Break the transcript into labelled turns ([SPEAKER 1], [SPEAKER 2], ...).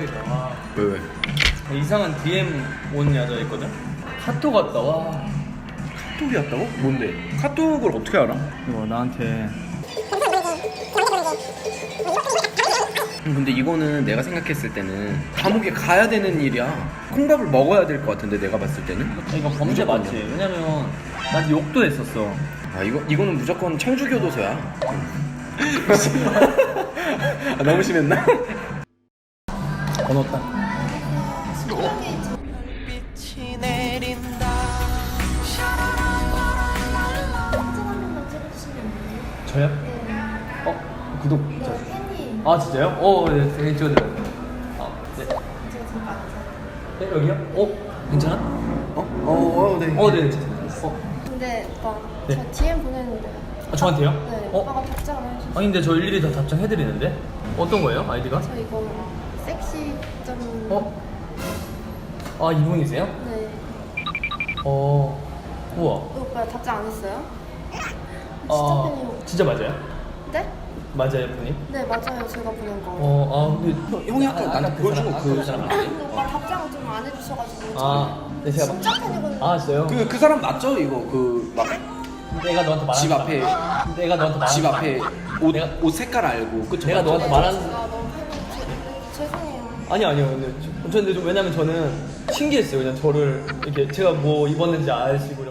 [SPEAKER 1] 대박이다. 와.
[SPEAKER 2] 왜?
[SPEAKER 1] 이상한 DM 온 여자 있거든? 카톡 왔다. 와.
[SPEAKER 2] 카톡이 왔다고? 뭔데? 카톡을 어떻게 알아?
[SPEAKER 1] 이거 나한테.
[SPEAKER 2] 근데 이거는 내가 생각했을 때는 감옥에 가야 되는 일이야. 콩밥을 먹어야 될 것 같은데 내가 봤을 때는.
[SPEAKER 1] 이거 범죄 맞지? 왜냐면 나한테 욕도 했었어.
[SPEAKER 2] 아 이거는 무조건 청주교도소야. 아, 너무 심했나?
[SPEAKER 1] 번호 딱.
[SPEAKER 3] 빛이 내린다.
[SPEAKER 4] 사진 한 번만 찍어주시면 안 돼요?
[SPEAKER 1] 저요?
[SPEAKER 4] 네.
[SPEAKER 1] 구독.
[SPEAKER 4] 네, 팬이.
[SPEAKER 1] 아 진짜요? 네, 되게 찍어드려요. 네.
[SPEAKER 4] 제가 잠깐.
[SPEAKER 1] 네, 여기요? 괜찮아?
[SPEAKER 2] 네.
[SPEAKER 1] 네.
[SPEAKER 4] 근데 오빠,
[SPEAKER 1] 네.
[SPEAKER 4] 저 DM 보냈는데.
[SPEAKER 1] 저한테요?
[SPEAKER 4] 네. 오빠가 답장을 해주셨어요.
[SPEAKER 1] 아니 근데 저 일일이 다 답장해드리는데? 어떤 거예요? 아이디가?
[SPEAKER 4] 저 이거 섹시 점.
[SPEAKER 1] 이분이세요?
[SPEAKER 4] 네.
[SPEAKER 1] 우와.
[SPEAKER 4] 오빠 답장 안 했어요? 진짜 팬이요.
[SPEAKER 1] 진짜 맞아요?
[SPEAKER 4] 네?
[SPEAKER 1] 맞아요, 분이?
[SPEAKER 4] 네 맞아요. 제가 보낸 거.
[SPEAKER 1] 근데
[SPEAKER 2] 형이 아까 나한테 보여준 거 그
[SPEAKER 1] 사람
[SPEAKER 4] 근데 오빠 답장을 좀 안 해주셔가지고.
[SPEAKER 1] 네, 제가
[SPEAKER 4] 진짜 팬이거든요.
[SPEAKER 1] 진짜요?
[SPEAKER 2] 그 사람 맞죠? 이거 그 막
[SPEAKER 1] 내가 너한테 말한
[SPEAKER 2] 집 앞에
[SPEAKER 1] 내가 너한테 말한
[SPEAKER 2] 집 앞에
[SPEAKER 1] 내가-
[SPEAKER 2] 옷 색깔 알고 그쵸?
[SPEAKER 1] 내가
[SPEAKER 2] 맞죠?
[SPEAKER 1] 너한테 말한
[SPEAKER 4] 제가 너무 팬이 죄송해요.
[SPEAKER 1] 아니요 근데 왜냐면 저는 신기했어요. 그냥 저를 이렇게 제가 뭐 입었는지 아시고